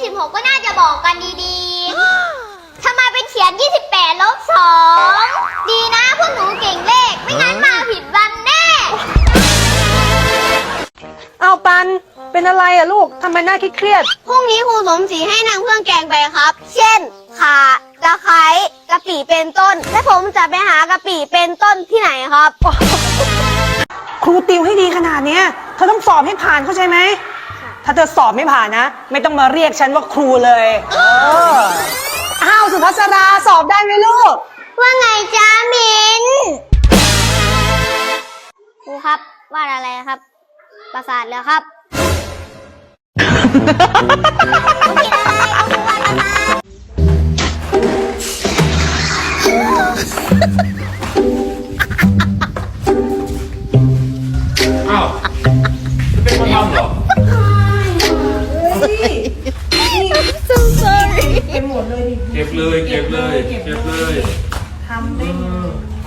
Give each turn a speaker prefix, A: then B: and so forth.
A: 26ก็น่าจะบอกกันดีๆ ถ้ามาเป็นเขียน 28 ลบ 2 ดีนะพวกหนูเก่งเลข ไม่งั้นมาผิดวันแน่
B: เอาปันเป็นอะไรอะลูกทำไมหน้าเครียด
A: พรุ่งนี้ครูสมศรีให้นำเครื่องแกงไปครับ เช่น ข่า ตะไคร้ กะปิเป็นต้น และผมจะไปหากะปิเป็นต้นที่ไหนครับ
B: ครูติวให้ดีขนาดเนี้ยเธอต้องสอบให้ผ่านเข้าใจไหมถ้าเธอสอบไม่ผ่านนะ ไม่ต้องมาเรียกฉันว่าครูเลยอ้าวสุภัสราสอบได้ไหมลูก
A: ว่าไงจ้ามินครูครับวาดอะไรครับ ประสาทแล้วครับครูผิดอะไรครูวาดประสาท
C: อ้าวเป็นคนทำเหรอ
A: so sorry
B: เป็นหมดเลย
C: เก็บเลยเก็บเลยเก็บเลย
B: ทำได้